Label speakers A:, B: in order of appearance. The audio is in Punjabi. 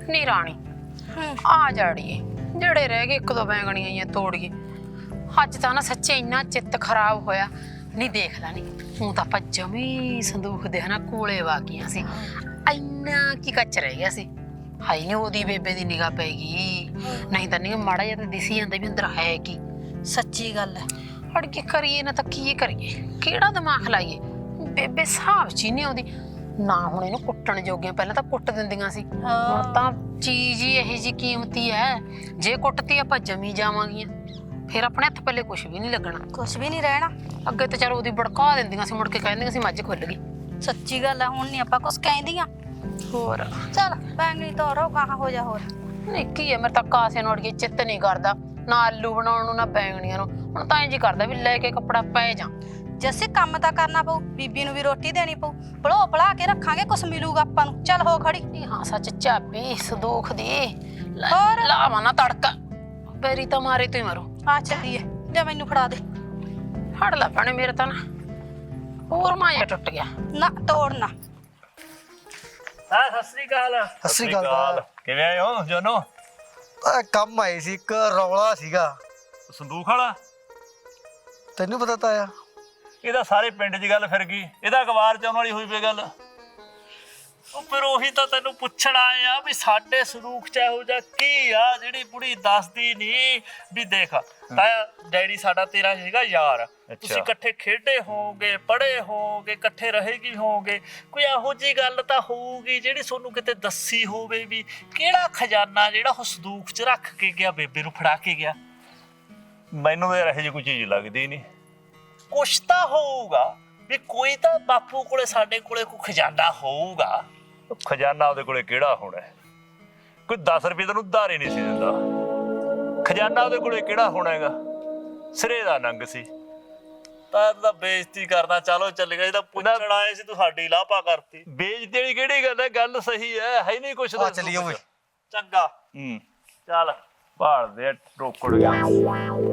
A: ਨੀ ਰਾਣੀ ਆ ਜਾੜੀਏ ਜਿਹੜੇ ਰਹਿ ਗਏ ਇੱਕ ਦੋ ਬੈਂਗਣੀਆਂ ਜਾਂ ਤੋੜੀਏ। ਅੱਜ ਤਾਂ ਨਾ ਸੱਚੇ ਇੰਨਾ ਚਿੱਤ ਖਰਾਬ ਹੋਇਆ। ਨਹੀਂ ਦੇਖ ਲਾ, ਨਹੀਂ ਹੂੰ ਤਾਂ ਆਪਾਂ ਜਮੀ ਸੰਦੂਖ ਦੇ ਹਨਾ ਕੋਲੇ ਵਾਗੀਆਂ ਸੀ। ਇੰਨਾ ਕੀ ਕੱਚ ਰਹਿ ਗਿਆ ਸੀ। ਹਾਈ ਨੀ ਉਹਦੀ ਬੇਬੇ ਦੀ ਨਿਗਾਹ ਪੈ ਗਈ, ਨਹੀਂ ਤਾਂ ਨਹੀਂ ਮਾੜਾ ਜਿਹਾ ਤਾਂ ਦਿਸੀ ਜਾਂਦਾ ਵੀ ਅੰਦਰ ਹੈ ਕੀ।
B: ਸੱਚੀ ਗੱਲ ਹੈ।
A: ਅੜ ਕੇ ਕਰੀਏ ਨਾ ਤਾਂ ਕੀ ਕਰੀਏ, ਕਿਹੜਾ ਦਿਮਾਗ ਲਾਈਏ। ਬੇਬੇ ਹਿਸਾਬ ਚ ਹੀ ਨਹੀਂ ਆਉਂਦੀ ਨਾ। ਹੁਣ ਇਹਨੂੰ ਕੁੱਟਣ ਜੋਗੀਆਂ ਪਹਿਲਾਂ ਤਾਂ ਕੁੱਟ ਦਿੰਦੀਆਂ ਸੀ, ਹੁਣ ਤਾਂ ਚੀਜ਼ ਹੀ ਇਹੋ ਜਿਹੀ ਕੀਮਤੀ ਹੈ। ਜੇ ਕੁੱਟਤੀ ਆਪਾਂ ਜਮੀ ਜਾਵਾਂਗੀਆਂ, ਫਿਰ ਆਪਣੇ ਹੱਥ ਪੱਲੇ ਕੁਛ ਵੀ ਨਹੀਂ ਲੱਗਣਾ।
B: ਕੁਛ ਵੀ ਨਹੀਂ ਰਹਿਣਾ।
A: ਅੱਗੇ ਤਾਂ ਚਲ ਉਹਦੀ ਭੜਕਾ ਦਿੰਦੀਆਂ ਸੀ, ਮੁੜ ਕੇ ਕਹਿੰਦੀਆਂ ਸੀ ਮੱਝ ਖੁੱਲ ਗਈ।
B: ਸੱਚੀ ਗੱਲ ਹੈ, ਹੁਣ ਨਹੀਂ ਆਪਾਂ ਕੁਛ ਕਹਿੰਦੀਆਂ।
A: ਹੋਰ
B: ਚੱਲ ਬੈਂਗਣੀ ਤੋਰੋ, ਕਹਾਂ ਹੋ ਜਾ ਹੋਰ।
A: ਨਹੀਂ ਕੀ ਹੈ, ਮੇਰੇ ਤਾਂ ਕਾਸੇ ਨੂੰ ਅੜੀਏ ਚਿੱਤ ਨਹੀਂ ਕਰਦਾ, ਨਾ ਆਲੂ ਬਣਾਉਣ ਨੂੰ ਨਾ ਬੈਂਗਣੀਆਂ ਨੂੰ। ਹੁਣ ਤਾਂ ਇੰਝ ਹੀ ਕਰਦਾ ਵੀ ਲੈ ਕੇ ਕੱਪੜਾ ਪੈ ਜਾ।
B: ਜੱਸੇ ਕੰਮ ਤਾਂ ਕਰਨਾ ਪਊ, ਬੀਬੀ ਨੂੰ ਵੀ ਰੋਟੀ ਦੇਣੀ ਪਊ। ਭਲੋ ਭਲਾ ਕੇ ਰੱਖਾਂਗੇ, ਕੁਛ ਮਿਲੂਗਾ ਆਪਾਂ ਨੂੰ। ਚੱਲ ਹੋ ਖੜੀ।
A: ਨਹੀਂ ਹਾਂ ਸੱਚ, ਚਾਬੀ ਸੰਦੂਖ ਦੀ
B: ਹੋਰ?
A: ਲਾਵਾਂ ਨਾ ਤੜਕਾ, ਬੇਰੀ ਤਾਂ ਮਾਰੇ ਤੂੰ ਹੀ ਮਰੋ।
B: ਆ ਚੱਲੀਏ, ਜਾ ਮੈਨੂੰ ਫੜਾ ਦੇ।
A: ਫੜ ਲੈ ਭੈਣੇ, ਮੇਰੇ ਤਾਂ ਨਾ ਹੋਰ ਮਾਇਆ ਟੁੱਟ ਗਿਆ।
B: ਨਾ ਤੋੜਨਾ।
C: ਸਤਿ ਸ੍ਰੀ ਅਕਾਲ।
D: ਸਤਿ ਸ੍ਰੀ ਅਕਾਲ।
C: ਕਿਵੇਂ ਆਏ ਹੋ ਜੋਨੋ?
D: ਕੰਮ ਆਏ ਸੀ, ਇੱਕ ਰੌਲਾ ਸੀਗਾ।
C: ਸੰਦੂਖ ਵਾਲਾ?
D: ਤੈਨੂੰ ਪਤਾ ਤਾਂ ਆ?
C: ਇਹਦਾ ਸਾਰੇ ਪਿੰਡ 'ਚ ਗੱਲ ਫਿਰ ਗਈ, ਇਹਦਾ ਅਖਬਾਰ 'ਚ ਆਉਣ ਵਾਲੀ ਹੋਈ ਪਈ ਗੱਲ। ਉਹ ਫਿਰ ਉਹੀ ਤਾਂ ਤੈਨੂੰ ਪੁੱਛਣ ਆਏ ਆ ਵੀ ਸਾਡੇ ਸੰਦੂਖ 'ਚ ਇਹੋ ਜਿਹਾ ਕੀ ਆ ਜਿਹੜੀ ਬੁੜੀ ਦੱਸਦੀ ਨਹੀਂ। ਵੀ ਦੇਖ ਤਾਇਆ, ਡੈਡੀ ਸਾਡਾ ਤੇਰਾ ਹੈਗਾ ਯਾਰ, ਤੁਸੀਂ ਇਕੱਠੇ ਖੇਡੇ ਹੋਵੋਗੇ, ਪੜ੍ਹੇ ਹੋਵੋਗੇ, ਇਕੱਠੇ ਰਹੇਗੀ ਹੋਵੋਗੇ। ਕੋਈ ਇਹੋ ਜਿਹੀ ਗੱਲ ਤਾਂ ਹੋਊਗੀ ਜਿਹੜੀ ਤੁਹਾਨੂੰ ਕਿਤੇ ਦੱਸੀ ਹੋਵੇ ਵੀ ਕਿਹੜਾ ਖਜ਼ਾਨਾ ਜਿਹੜਾ ਉਹ ਸੰਦੂਖ 'ਚ ਰੱਖ ਕੇ ਗਿਆ, ਬੇਬੇ ਨੂੰ ਫੜਾ ਕੇ ਗਿਆ। ਮੈਨੂੰ ਤਾਂ ਇਹੋ ਜਿਹੀ ਕੋਈ ਚੀਜ਼ ਲੱਗਦੀ ਨਹੀਂ। ਕੁਛ ਤਾਂ ਹੋਊਗਾ ਵੀ ਕੋਈ ਤਾਂ ਬਾਪੂ ਕੋਲੇ ਸਾਡੇ ਕੋਲੇ ਕੋਈ ਖਜ਼ਾਨਾ ਹੋਊਗਾ। ਖਜ਼ਾਨਾ ਉਹਦੇ ਕੋਲੇ ਕਿਹੜਾ ਹੋਣਾ? ਕੋਈ 10 ਰੁਪਏ ਤੈਨੂੰ ਉਧਾਰੇ ਨਹੀਂ ਸੀ ਦਿੰਦਾ। ਖਜ਼ਾਨਾ ਉਹਦੇ ਕੋਲੇ ਕਿਹੜਾ ਹੋਣਾ ਹੈਗਾ? ਸਿਰੇ ਦਾ ਨੰਗ ਸੀ। ਤਾਂ ਬੇਇੱਜ਼ਤੀ ਕਰਨਾ ਚਾਲੋ ਚੱਲ ਗਿਆ। ਇਹਦਾ ਪੁੱਛਣ ਆਏ ਸੀ, ਤੂੰ ਸਾਡੀ ਲਾਪਾ ਕਰਤੀ। ਬੇਇੱਜ਼ਤੀ ਵਾਲੀ ਕਿਹੜੀ ਗੱਲ ਹੈ? ਗੱਲ ਸਹੀ ਹੈ ਨਹੀਂ ਕੁਛ ਦਾ।
D: ਚੱਲੀਏ ਓਏ।
C: ਚੰਗਾ ਚੱਲ ਭਾਲ ਦੇ, ਰੋਕੜ ਗਿਆ।